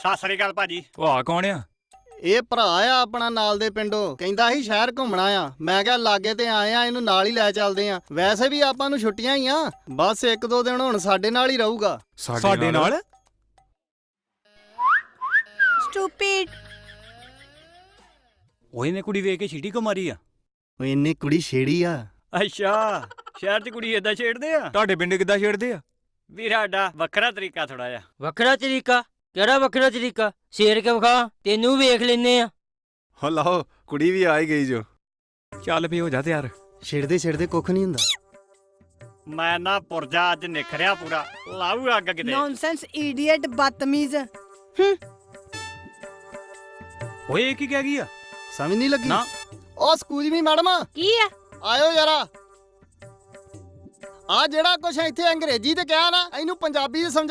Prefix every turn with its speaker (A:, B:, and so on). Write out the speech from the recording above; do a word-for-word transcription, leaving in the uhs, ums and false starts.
A: ਸਤਿ ਸ੍ਰੀ ਅਕਾਲ ਭਾਜੀ।
B: ਉਹ ਆ ਕੌਣ ਆ?
C: ਇਹ ਭਰਾ ਆ ਆਪਣਾ ਨਾਲ ਦੇ ਪਿੰਡੋਂ, ਕਹਿੰਦਾ ਸੀ ਸ਼ਹਿਰ ਘੁੰਮਣਾ ਆ। ਮੈਂ ਕਿਹਾ ਲਾਗੇ ਤੇ ਆਏ ਆ, ਇਹਨੂੰ ਨਾਲ ਹੀ ਲੈ ਚੱਲਦੇ ਆ। ਵੈਸੇ ਵੀ ਆਪਾਂ ਨੂੰ ਛੁੱਟੀਆਂ ਹੀ ਆ, ਬਸ ਇੱਕ ਦੋ ਦਿਨ ਹੁਣ ਸਾਡੇ ਨਾਲ ਹੀ ਰਹੂਗਾ।
B: ਸਾਡੇ ਨਾਲ?
D: ਸਟੂਪਿਡ।
A: ਉਹ ਇਹਨੇ ਕੁੜੀ ਵੇਖ ਕੇ ਛੀਟੀ ਕੋ ਮਾਰੀ ਆ?
C: ਓਏ ਇਹਨੇ ਕੁੜੀ ਛੇੜੀ ਆ।
A: ਅੱਛਾ, ਸ਼ਹਿਰ 'ਚ ਕੁੜੀ ਏਦਾਂ ਛੇੜਦੇ ਆ?
B: ਤੁਹਾਡੇ ਪਿੰਡ ਕਿੱਦਾਂ ਛੇੜਦੇ ਆ?
A: ਵੀਰ ਸਾਡਾ ਵੱਖਰਾ ਤਰੀਕਾ ਥੋੜਾ ਜਿਹਾ।
E: ਵੱਖਰਾ ਤਰੀਕਾ? ਕਿਹੜਾ ਵੱਖਰਾ ਤਰੀਕਾ? ਸ਼ੇਰ ਕੇ ਵਿਖਾ, ਤੈਨੂੰ ਵੇਖ ਲੈਨੇ ਆ।
F: ਹੋ ਲਾਓ, ਕੁੜੀ ਵੀ ਆ ਹੀ ਗਈ ਜੋ।
B: ਚੱਲ ਵੀ ਹੋ ਜਾ ਤਿਆਰ।
C: ਛੇੜਦੇ ਛੇੜਦੇ ਕੁੱਖ ਨਹੀਂ ਹੁੰਦਾ।
A: ਮੈਂ ਨਾ ਪੁਰਜਾ ਅੱਜ ਨਿਖਰਿਆ ਪੂਰਾ, ਲਾਊ ਅੱਗ ਕਿਤੇ।
D: ਨੌਨਸੈਂਸ ਇਡੀਅਟ, ਬਦਤਮੀਜ਼।
A: ਓਏ ਇਹ ਕੀ ਕਹਿ ਗਈ ਆ?
C: ਸਮਝ ਨਹੀਂ ਲੱਗੀ
A: ਨਾ।
C: ਓ ਸਕੂਲ ਵੀ ਮੈਡਮ
D: ਕੀ ਆ?
C: ਆਇਓ ਯਾਰਾ। ਆ ਜਿਹੜਾ ਕੁਛ ਇੱਥੇ ਅੰਗਰੇਜ਼ੀ ਤੇ ਕਿਹਾ ਨਾ, ਇਹਨੂੰ ਪੰਜਾਬੀ ਚ ਸਮਝ